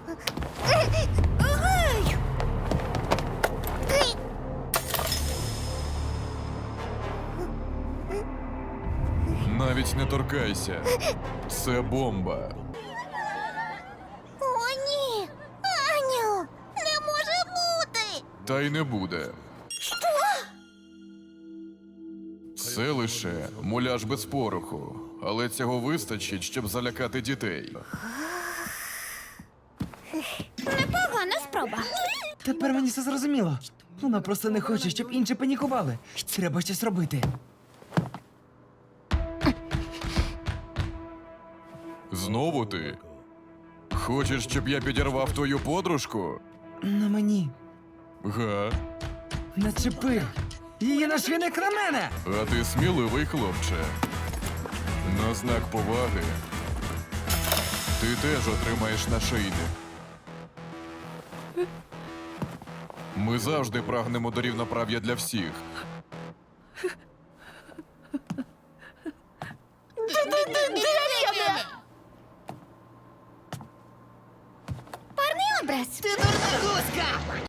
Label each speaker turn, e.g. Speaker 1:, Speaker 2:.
Speaker 1: Навіть не торкайся. Це бомба.
Speaker 2: О, ні! Аню! Не може бути!
Speaker 1: Та й не буде.
Speaker 2: Що?
Speaker 1: Це лише муляж без пороху. Але цього вистачить, щоб залякати дітей.
Speaker 2: Непогана спроба.
Speaker 3: Тепер мені все зрозуміло. Вона просто не хоче, щоб інші панікували. Треба щось робити.
Speaker 1: Знову ти? Хочеш, щоб я підірвав твою подружку?
Speaker 3: На мені.
Speaker 1: Га?
Speaker 3: Начепи. Її нашвіник на мене.
Speaker 1: А ти сміливий, хлопче. На знак поваги ти теж отримаєш нашийник. Ми завжди прагнемо до рівноправ'я для всіх.
Speaker 2: Парний образ.
Speaker 4: Ти дурна гуска!